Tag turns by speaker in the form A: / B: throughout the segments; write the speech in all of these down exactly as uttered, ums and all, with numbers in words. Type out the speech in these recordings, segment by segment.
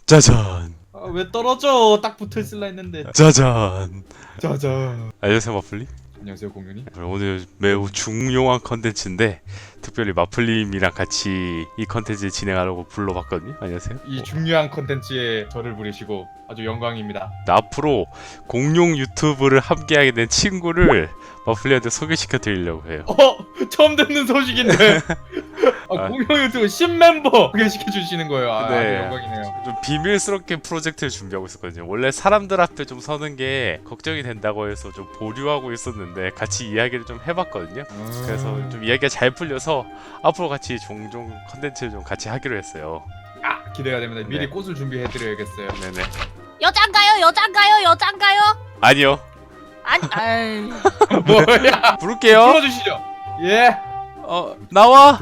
A: 짜잔.
B: 아, 왜 떨어져? 딱 붙어 있을라 했는데.
A: 짜잔.
B: 짜잔.
A: 안녕하세요 마플님.
B: 안녕하세요 공연이.
A: 오늘 매우 중요한 컨텐츠인데 특별히 마플님이랑 같이 이 컨텐츠 진행하려고 불러봤거든요. 안녕하세요.
B: 이 중요한 컨텐츠에 저를 부르시고 아주 영광입니다.
A: 나 앞으로 공룡 유튜브를 함께하게 된 친구를 마플님한테 소개시켜 드리려고 해요.
B: 어? 처음 듣는 소식인데. 아,
A: 아.
B: 공연 유튜브 신멤버 소개시켜 주시는 거예요. 아,
A: 네.
B: 아주 영광이네요.
A: 좀 비밀스럽게 프로젝트를 준비하고 있었거든요. 원래 사람들 앞에 좀 서는 게 걱정이 된다고 해서 좀 보류하고 있었는데 같이 이야기를 좀 해봤거든요. 그래서 좀 이야기가 잘 풀려서 앞으로 같이 종종 컨텐츠를 좀 같이 하기로 했어요.
B: 아, 기대가 됩니다. 미리
A: 네.
B: 꽃을 준비해 드려야겠어요.
A: 네네.
C: 여잔가요? 여잔가요? 여잔가요?
A: 아니요.
C: 아니, 아이.
B: 뭐야?
A: 부를게요.
B: 불러주시죠. 예.
A: 어 나와.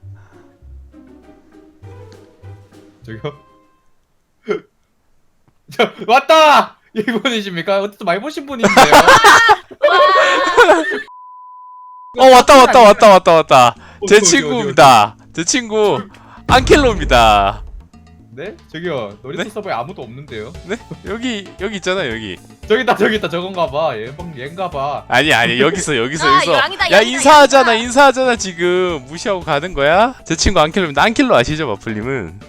B: 저기요. 저 왔다. 이분이십니까? 어쨌든 많이 보신 분인데요.
A: 어 왔다 왔다 왔다 왔다 왔다. 제
B: 어디, 어디,
A: 친구입니다. 제 친구 안켈로입니다.
B: 네? 저기요. 놀이터
A: 네?
B: 서버에 아무도 없는데요.
A: 네? 여기 여기 있잖아 여기.
B: 저기 있다 저기 있다 저건가봐. 얘방 얘인가봐.
A: 아니 아니 여기 있어 여기 있어
C: 아,
A: 여기 있어.
C: 양이다,
A: 야
C: 양이다,
A: 인사하잖아
C: 양이다.
A: 인사하잖아 지금 무시하고 가는 거야? 제 친구 안켈로입니다. 안켈로 아시죠 마플님은?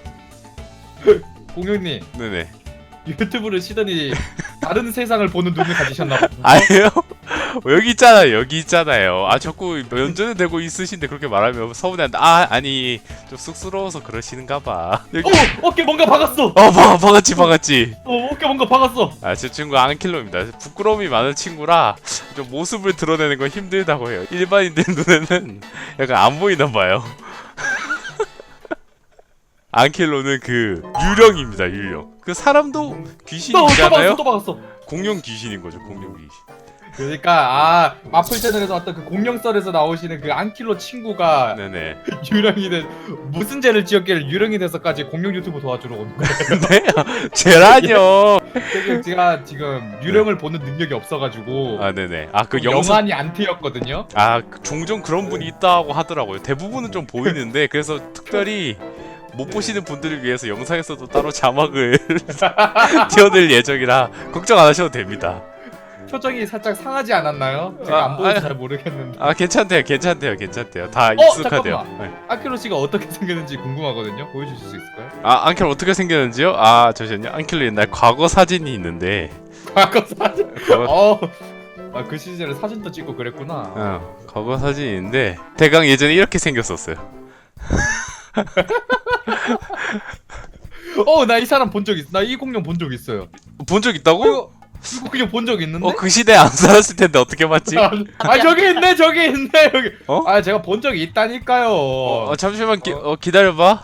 B: 공룡님
A: 네네.
B: 유튜브를 시더니 다른 세상을 보는 눈을 가지셨나봐.
A: 아니에요? 어, 여기 있잖아요 여기 있잖아요. 아 자꾸 면전에 대고 있으신데 그렇게 말하면 서운해한다. 아 아니 좀 쑥스러워서 그러시는가봐. 여기.
B: 어! 어깨 뭔가 박았어!
A: 어 봐, 박았지 박았지.
B: 어 어깨 뭔가 박았어!
A: 아 제 친구 안킬로입니다. 부끄러움이 많은 친구라 좀 모습을 드러내는 건 힘들다고 해요. 일반인들 눈에는 약간 안 보이나봐요. 안킬로는 그 유령입니다 유령. 그 사람도
B: 또, 또
A: 귀신이잖아요.
B: 박았어 또 박았어!
A: 공룡 귀신인 거죠 공룡 귀신.
B: 그러니까 아 마플 채널에서 왔던 그 공룡썰에서 나오시는 그 안킬로 친구가
A: 네네.
B: 유령이 된 무슨 죄를 지었길래 유령이 돼서까지 공룡 유튜브 도와주러 온 거예요.
A: 네? 제라뇨.
B: 제가, 제가 지금 유령을 보는 능력이 없어가지고
A: 아 네네. 아 그 영상
B: 영안이 안 트였거든요.
A: 아 종종 그런 분이 있다고 하더라고요. 대부분은 좀 보이는데 그래서 특별히 못 보시는 분들을 위해서 영상에서도 따로 자막을 띄워드릴 예정이라 걱정 안 하셔도 됩니다.
B: 표정이 살짝 상하지 않았나요? 제가
A: 아,
B: 안 보여서
A: 아,
B: 잘 모르겠는데.
A: 아 괜찮대요 괜찮대요 괜찮대요. 다
B: 어,
A: 익숙하대요.
B: 잠깐만.
A: 네.
B: 아키로 씨가 어떻게 생겼는지 궁금하거든요. 보여주실 수 있을까요?
A: 아 안켈 어떻게 생겼는지요? 아 잠시만요. 안켈로 옛날 과거 사진이 있는데
B: 과거 사진.
A: 과거,
B: 어. 아, 그 시절에 사진도 찍고 그랬구나.
A: 어, 과거 사진이 있는데 대강 예전에 이렇게 생겼었어요.
B: 어, 나 이 사람 본 적 있어. 나 이 공룡 본 적 있어요.
A: 본 적 있다고?
B: 이거 이거 그냥 본 적 있는데?
A: 어 그 시대에 안 살았을 텐데 어떻게 봤지?
B: 아, 아, 저기 있네, 저기 있네, 여기.
A: 어?
B: 아, 제가 본 적이 있다니까요.
A: 어, 어 잠시만 기, 어, 기다려봐.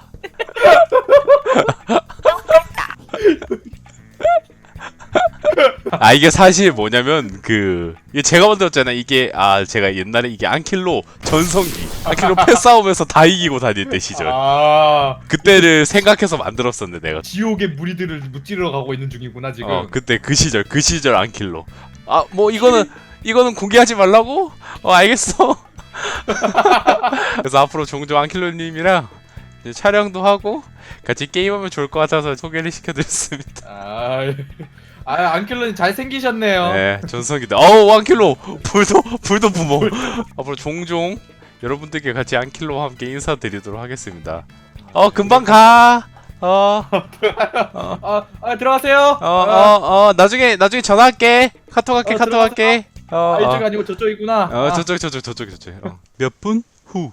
A: 아 이게 사실 뭐냐면 그 이게 제가 만들었잖아. 이게 아 제가 옛날에 이게 안킬로 전성기 안킬로 패싸움에서 다 이기고 다닐 때 시절
B: 아,
A: 그때를 생각해서 만들었었는데 내가
B: 지옥의 무리들을 무찌르러 가고 있는 중이구나 지금.
A: 어 그때 그 시절 그 시절 안킬로 아 뭐 이거는 이거는 공개하지 말라고? 어 알겠어. 그래서 앞으로 종종 안킬로님이랑 이제 촬영도 하고 같이 게임하면 좋을 것 같아서 소개를 시켜드렸습니다.
B: 아, 아 안킬로님 잘 생기셨네요.
A: 네, 전성기다. 어우, 안킬로! 불도, 불도 부모. 앞으로 종종 여러분들께 같이 안킬로와 함께 인사드리도록 하겠습니다. 어, 금방 가! 어, 어,
B: 아, 아 들어가세요.
A: 어, 어, 어, 나중에, 나중에 전화할게. 카톡 할게,
B: 어,
A: 카톡
B: 들어가서
A: 할게. 어,
B: 아, 이쪽
A: 어,
B: 아니고 저쪽이구나.
A: 어,
B: 아,
A: 저쪽, 저쪽, 저쪽, 저쪽. 어. 몇 분 후.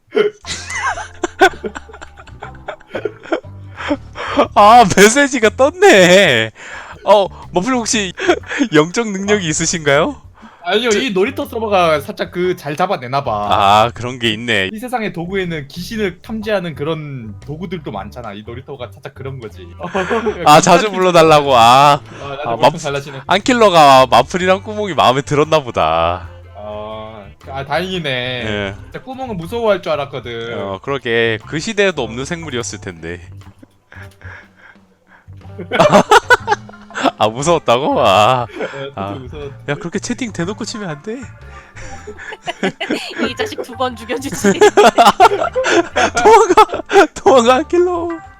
A: 아, 메시지가 떴네. 어, 머플 혹시 영적 능력이 있으신가요?
B: 아니요, 이 놀이터 서버가 살짝 그 잘 잡아내나봐.
A: 아, 그런 게 있네.
B: 이 세상의 도구에는 귀신을 탐지하는 그런 도구들도 많잖아. 이 놀이터가 살짝 그런 거지.
A: 아, 자주 불러달라고. 아,
B: 아, 나도
A: 아,
B: 엄청
A: 맘-
B: 잘나시네.
A: 안킬러가 마플이랑 꾸몽이 마음에 들었나 보다.
B: 아, 아 다행이네.
A: 예.
B: 진짜 꾸멍은 무서워할 줄 알았거든.
A: 어, 그러게. 그 시대에도 없는 생물이었을 텐데. 아, 무서웠다고? 아.
B: 어,
A: 아.
B: 무서워.
A: 야, 그렇게 채팅 대놓고 치면 안 돼.
C: 이 자식 두 번 죽여주지.
A: 도망가! 도망가, 안킬러!